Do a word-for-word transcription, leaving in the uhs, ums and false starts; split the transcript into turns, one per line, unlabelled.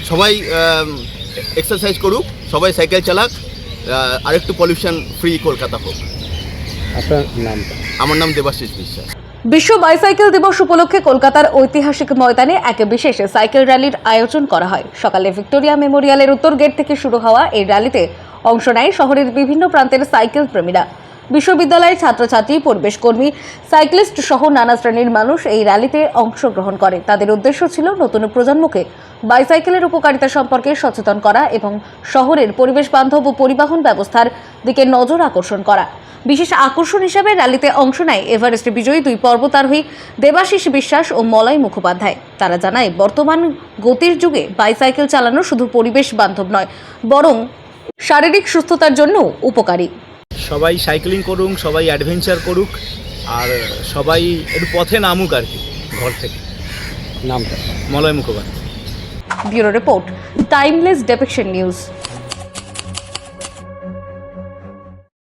সবাই এক্সারসাইজ করুক, সবাই সাইকেল চালাক, আরেকটু পলিউশন ফ্রি কলকাতা হোক।
আপনার নামটা?
আমার নাম দেবাশিস বিশ্বাস।
বিশ্ব বাইসাইকেল দিবস উপলক্ষে কলকাতার ঐতিহাসিক ময়দানে এক বিশেষ সাইকেল র্যালির আয়োজন করা হয়। সকালে ভিক্টোরিয়া মেমোরিয়ালের উত্তর গেট থেকে শুরু হওয়া এই র্যালিতে অংশ নেয় শহরের বিভিন্ন প্রান্তের সাইকেল প্রেমীরা। বিশ্ববিদ্যালয়ের ছাত্রছাত্রী, পরিবেশ কর্মী, সাইক্লিস্ট সহ নানা শ্রেণীর মানুষ এই র্যালিতে অংশগ্রহণ করে। তাদের উদ্দেশ্য ছিল নতুন প্রজন্মকে বাইসাইকেলের উপকারিতা সম্পর্কে সচেতন করা এবং শহরের পরিবেশ বান্ধব ও পরিবহন ব্যবস্থার দিকে নজর আকর্ষণ করা। বিশেষ আকর্ষণ হিসেবে র্যালিতে অংশ নেয় এভারেস্ট বিজয়ী দুই পর্বতারোহী দেবাশিস বিশ্বাস ও মলয় মুখোপাধ্যায়। তারা জানায়, বর্তমান গতির যুগে বাইসাইকেল চালানো শুধু পরিবেশ বান্ধব নয়, বরং শারীরিক সুস্থতার জন্য উপকারী।
সবাই সাইক্লিং করুক, সবাই অ্যাডভেঞ্চার করুক, আর সবাই একটু পথে নামুক আর কি ঘর থেকে।
নামটা?
Malay Mukhopadhyay.
Bureau report, timeless depiction news.